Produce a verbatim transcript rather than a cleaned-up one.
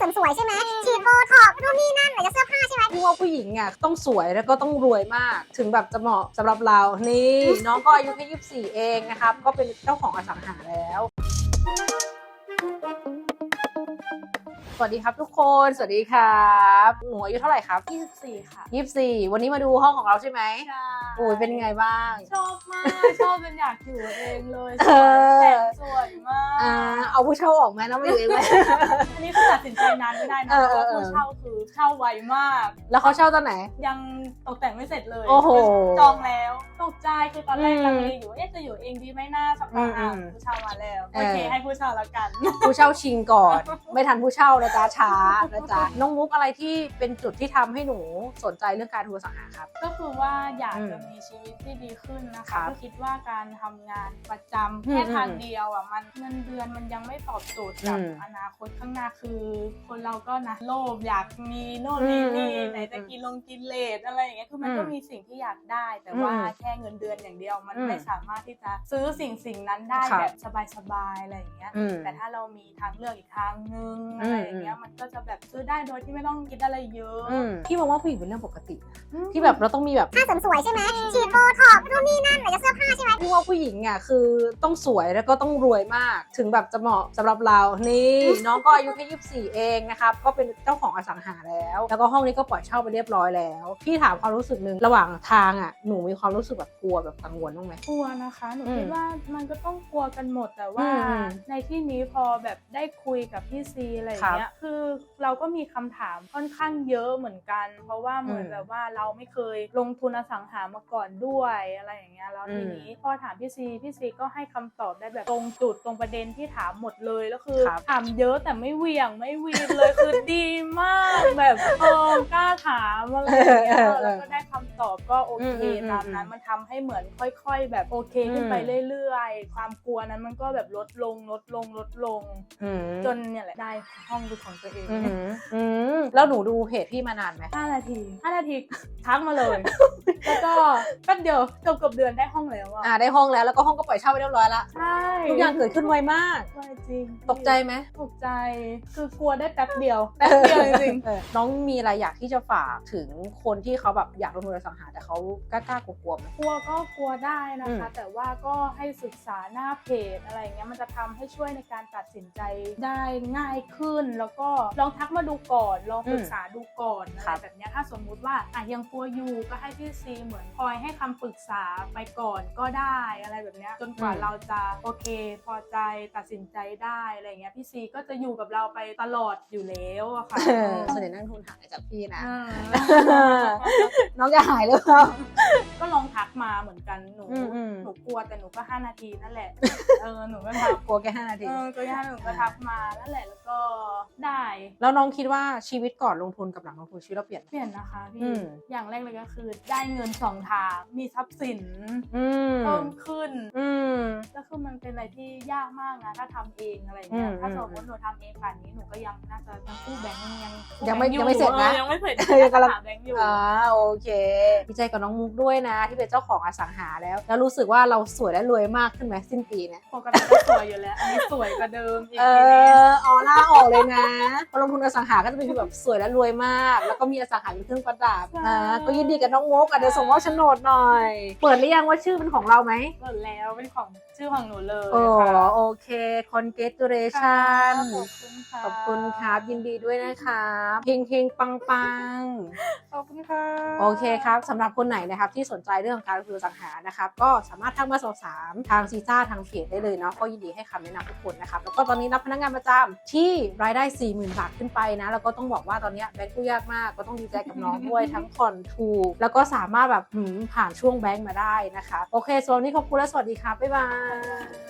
เสริมสวยใช่ไหมฉีดโบท็อกซ์นู่นนี่นั่นไหนจะเสื้อผ้าใช่ไหมพี่ว่าผู้หญิงอ่ะต้องสวยแล้วก็ต้องรวยมากถึงแบบจะเหมาะสำหรับเรานี่น้องก็อายุแค่ยี่สิบสี่เองนะครับก็เป็นเจ้าของอสังหาแล้วสวัสดีครับทุกคนสวัสดีครับหนูอายุเท่าไหร่ครับยี่สิบสี่ค่ะยี่สิบสี่วันนี้มาดูห้องของเราใช่ไหมใช่โอ้ยเป็นไงบ้างชอบมากชอบจนอยากอยู่เองเลยสเอวยอแต่สวยมากอ่าเอาผู้เช่าออกไหมแล้วมาอยู่เองไหมอันนี้คือตัดสินใจนานไม่ได้นะเอเพอราะเออผู้เช่าคือเช่าไวมากแล้วเขาเช่าตอนไหนยังตกแต่งไม่เสร็จเลยโอ้โหจองแล้วตกใจคือตอนแรกอืมลังเลอยู่ว่าเอ๊ะจะอยู่เองดีไหมหน้าสักพักอ่ะอืมผู้เช่ามาแล้วเออโอเคให้ผู้เช่าแล้วกันผู้เช่าชิงก่อน ไม่ทันผู้เช่านะจ๊ะช้านะจ๊ะน้องมุกอะไรที่เป็นจุดที่ทำให้หนูสนใจเรื่องการทัวร์สังหาครับก็คือว่าอยากอืมจะมีชีวิตที่ดีขึ้นนะครัคะบก็คิดว่าการทำงานประจำอืมแค่ทางเดียวอ่ะมันเงินเดือนมันยังไม่ตอบโจทย์กับอืมอนาคตข้างหน้าคือ คนเราก็นะโลภอยากมีโน่นนี่นี่อืมไหนจะกินลงกินเลสอะไรอย่างเงี้ยคือมันก็อืมมีสิ่งที่อยากได้ แต่ว่าอืมแค่เงินเดือนอย่างเดียวมันอืมไม่สามารถที่จะซื้อสิ่งสิ่งนั้นได้ครับแบบสบายๆอะไรอย่างเงี้ยอืมแต่ถ้าเรามีทางเลือกอีกทางนึงอืมอะไรอย่างเงี้ยมันก็จะแบบซื้อได้โดยที่ไม่ต้องคิดอะไรเยอะอืมพี่มองว่าผู้หญิงเป็นเรื่องปกติอืมที่แบบเราต้องมีแบบผ้าเสริมสวยใช่ไหมฉีดโบท็อกซ์นู่นนี่นั่นไหนจะเสื้อผ้าใช่ไหมพี่ว่าผู้หญิงอ่ะคือต้องสวยแล้วก็ต้องรวยมากถึงแบบจะเหมาะสำหรับเรานี่น้องก็อายุแค่ยี่สิบสี่เองนะครับก็เป็นเจ้าของอสังหาแล้วแล้วก็ห้องนี้ก็ปล่อยเช่าไปเรียบร้อยแล้วพี่ถามความรู้สึกหนึ่งระหว่างทางอ่ะหนูมีความรู้สึกแบบกลัวแบบกังวลบ้างไหมกลัวนะคะหนูอืมคิดว่ามันก็ต้องกลัวกันหมดแต่ว่าอืมในที่นี้พอแบบได้คุยกับพี่ซีอะไรอย่างเงี้ยคือเราก็มีคำถามค่อนข้างเยอะเหมือนกัน เพราะว่าเหมือนอืมแบบว่าเราไม่เคยลงทุนอสังหามาก่อนด้วยอะไรอย่างเงี้ยแล้วอืมทีนี้พอถามพี่ซีพี่ซีก็ให้คำตอบได้แบบตรงจุดตรงประเด็นที่ถามหมดเลยแล้วคือครับถามเยอะแต่ไม่เหวี่ยงไม่วีนเลยคือดีมากแบบเออกล้าถามอะไรอย่างเงี้ยเออเออแล้วก็ได้คำตอบก็โอเคอืมอืมตามนั้น มันทำให้เหมือนค่อยๆ แบบโอเคขึ้นไปเรื่อยๆ ความกลัวนั้นมันก็แบบลดลงลดลงลดลงอืมจนเนี่ยแหละได้ห้องเป็นของตัวเองอืมอืมแล้วหนูดูเพจพี่มานานไหมห้านาทีห้านาทีทักมาเลย แล้วก็แป๊บเดียวเกือบเกือบเดือนได้ห้องแล้วอ่ะอ่าได้ห้องแล้วแล้วก็ห้องก็ปล่อยเช่าไปเรียบร้อยละใช่ทุกอย่างเกิดขึ้นไวมากไวจริงตกใจไหมตกใจคือกลัวได้แป๊บเดียวแป๊บเดียวจริงเออน้องมีอะไรอยากที่จะฝากถึงคนที่เขาแบบอยากลงทุนอสังหาแต่เขากล้าๆกลัวๆไหมๆกลัวก็กลัวได้นะคะอืมแต่ว่าก็ให้ศึกษาหน้าเพจอะไรอย่างเงี้ยมันจะทำให้ช่วยในการตัดสินใจได้ง่ายขึ้น แล้วก็ลองทักมาดูก่อนลองปรึกษาดูก่อนอะไรแบบเนี้ยถ้าสมมุติว่าอ่ะยังกลัวอยู่ก็ให้พี่ซีเหมือนคอยให้คำปรึกษาไปก่อนก็ได้อะไรแบบเนี้ยจนกว่าอืมเราจะโอเคพอใจตัดสินใจได้อะไรเงี้ยพี่ซีก็จะอยู่กับเราไปตลอดอยู่แล้วอะค่ะเออส่วนใหญ่นักลงทุนหายจากพี่นะอ่าน้องจะหายหรือเปล่าก็ลองทักมาเหมือนกันหนูอืมอืมหนูกลัวแต่หนูก็ห้านาทีนั่นแหละ เออหนูก็ทักกลัวแค่ห้านาทีเออก็ย่าหนูก็ทักมานั่นแหละแล้วก็ได้แล้วน้องคิดว่าชีวิตก่อนลงทุนกับหลังลงทุนชีวิตเราเปลี่ยนไหมเปลี่ยนนะคะอืพี่มอย่างแรกเลยก็คือได้เงินสองทางมีทรัพย์สินอืมเพิ่มขึ้นอืมแล้วคือมันเป็นอะไรที่ยากมากนะถ้าทำเองอะไรเงี้ยอืมถ้าสมมติหนูทำเองป่านนี้หนูก็ยังน่าจะยังกู้แบงก์ยังกู้ยังไม่แบค์อยังไม่เสร็จนะออยังไม่เสร็จยังกำลังหาแบงก์อยู่อ่าโอเคดีใจกับน้องมุกด้วยนะ ที่เป็นเจ้าของอสังหาแล้ว แล้วรู้สึกว่าเราสวยและรวยมากขึ้นไหมสิ้นปีเนี่ยปกติก็สวยอยู่แล้วอันนี้สวยกว่าเดิมอีกเอทีนี้อออร่าออกเลยนะพอลงทุนอสังหาก็จะเป็นแบบสวยและรวยมาก แล้วก็มีอสังหาเป็นเครื่องประดับนะก็ยินดีกับน้องมุกอ่ะเดี๋ยวส่งมอบโฉนดหน่อย เปิดหรือยังว่าชื่อเป็นของเราไหมหมดแล้วเป็นของชื่อของหนูเลยโอ้ค่ะโอเค congratulation ขอบคุณค่ะขอบคุณครับ ยินดีด้วยนะครับเฮงเฮงปังปังขอบคุณค่ะโอเคครับสำหรับคนไหนนะครับที่สนใจเรื่องของการลงทุนอสังหานะครับก็สามารถทักมาสอบถามทางซีซ่าทางเพจได้เลยเนาะก็ยินดีให้คำแนะนำทุกคนนะครับแล้วก็ตอนนี้รับพนักงานประจำที่รายได้ สี่หมื่น บาทขึ้นไปนะแล้วก็ต้องบอกว่าตอนนี้แบงก์กู้ยากมากก็ต้องดีใจกับน้องด้วย ทั้งผ่อนถูกแล้วก็สามารถแบบหืมผ่านช่วงแบงก์มาได้นะคะโอเคส่วนวันนี้ขอบคุณและสวัสดีครับบ๊ายบาย